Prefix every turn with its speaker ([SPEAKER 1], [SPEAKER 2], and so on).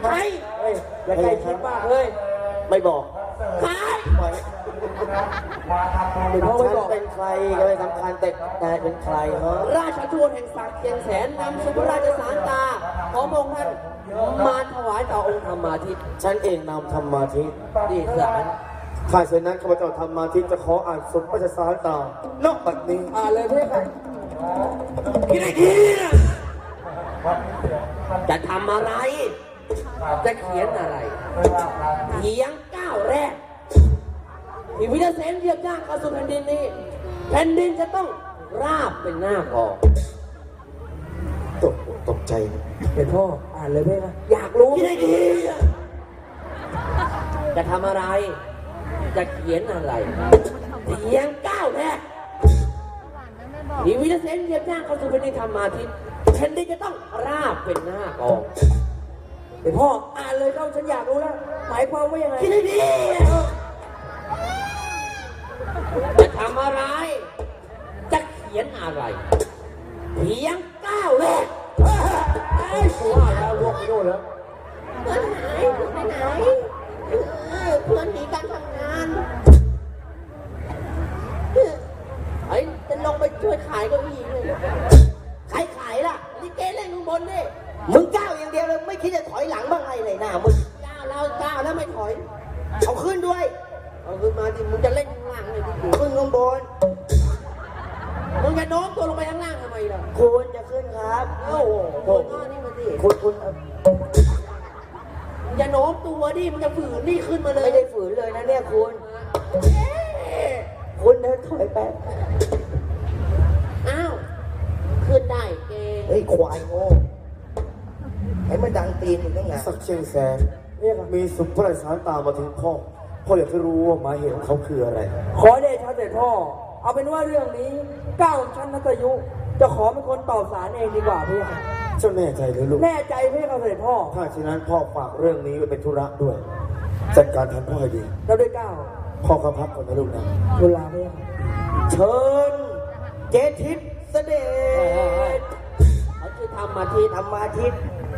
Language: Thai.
[SPEAKER 1] ใคร
[SPEAKER 2] เฮ้ยอย่าใกล้ชิดมากเลย
[SPEAKER 3] ไม่บอก
[SPEAKER 1] ใคร
[SPEAKER 3] ปล่อย
[SPEAKER 2] เดี๋ยวพ่อไม่
[SPEAKER 3] ฉัน
[SPEAKER 2] บอก
[SPEAKER 3] เป็นใครก็ไม่สำคัญแต่นายเป็นใครเหรอ
[SPEAKER 1] ราชทูตแห่งศักดิ์เชียงแสนนำสุภราชสารตาของพระองค์ท่านมาถวายต่อองค์ธรรมาทิตย์
[SPEAKER 3] ฉันเองนำธรรมาทิตย์
[SPEAKER 1] ดีสาร
[SPEAKER 3] ถ้าเช่นนั้นข้าพเจ้าธรรมาทิตย์จะขออ่านสุภาษาสารตานอกบัดนี้
[SPEAKER 2] เลยเพื่อน
[SPEAKER 1] คิดไอ้ทีนะจะทำอะไร จะเขียนอะไรเพียงก้าวแรกที่วิทยาเสนเหยียบย่างเข้าสู่แผ่นดินนี้แผ่นดินจะต้องราบเป็นหน้ากอง
[SPEAKER 3] ตกใจ
[SPEAKER 2] เห็นพ่ออ่านเลยเพื่อน
[SPEAKER 1] อยากรู้คิดไอ้ทีนะจะทำอะไร จะเขียนอะไรเพียงก้าวแรกที่วิทยาเสนเหยียบย่างเข้าสู่แผ่นดินธรรมาทิตย์แผ่นดินจะต้องราบเป็นหน้ากอง
[SPEAKER 2] เห็นพ่ออ่านเลยเข้าฉันอยากรู้แล้วหมายความว่ายังไง
[SPEAKER 1] คิดให้ดีจะทำอะไร จะเขียนอะไร เพียงก้าวแรกไอ้กูว่าแล้วลวกไปโน่นแล้ว
[SPEAKER 4] เพื่อนหายเพื่อนไปไหนเพื่อนหนีการทำงานไอ้จะลงไปช่วยขายเก็อีเลยใครขายล่ะลิเกเล่นข้างบนดิ
[SPEAKER 1] มึงก้าวอย่างเดียวเลยไม่คิดจะถอยหลังบ้างไงเลยหน้ามึง
[SPEAKER 4] ก้าวแล้วไม่ถอย
[SPEAKER 1] เอาขึ้นด้วย เอาขึ้นมาดิมึงจะเล่นข้างล่างเลยดิ
[SPEAKER 3] ขึ้นข้างบน
[SPEAKER 1] มึงจะโน้มตัวลงไปข้างล่างทำไมล่ะ
[SPEAKER 3] คุณจะขึ้นครับ
[SPEAKER 1] โอ้โห
[SPEAKER 3] โถ่
[SPEAKER 1] โน้มนี่มาดิ
[SPEAKER 3] คุณ
[SPEAKER 1] มึงจะโน้มตัวดิมึงจะฝืนนี่ขึ้นมาเลย
[SPEAKER 3] ไม่ได้ฝืนเลยนะเนี่ยคุณ คุณเดินถอยแป๊บ
[SPEAKER 4] อ้าวขึ้นได้เกง
[SPEAKER 3] เฮ้ยควายโง่ให้มันดังตีนอยู่ตั้งนานสักเชียงแสนมีสุภาษาสารตามมาถึงพ่ออยากจะรู้ว่าหมายเหตุของเขาคืออะไร
[SPEAKER 2] ขอเดชะเสด็จพ่อ เอาเป็นว่าเรื่องนี้ก้าวชั้นนัตยุ จะขอเป็นคนตอบสารเองดีกว่าพี่ค่ะ
[SPEAKER 3] เจ้าแน่ใจหรือลูก
[SPEAKER 2] แน่ใจพี่ค่ะเสด็จพ่อ
[SPEAKER 3] ถ้าฉะนั้นพ่อฝากเรื่องนี้ไว้เป็นธุระด้วย จัดการแทนพ่อให้ดี
[SPEAKER 2] เราด้วยก้าว
[SPEAKER 3] พ่อเข้าพักก่อนนะลูกนะ
[SPEAKER 2] เวลาพี่ค่ะ
[SPEAKER 3] เชิญเจทิศเสด็จ
[SPEAKER 1] เขาชื่อธรรมาทิตย์
[SPEAKER 3] ธรรมาทิตย์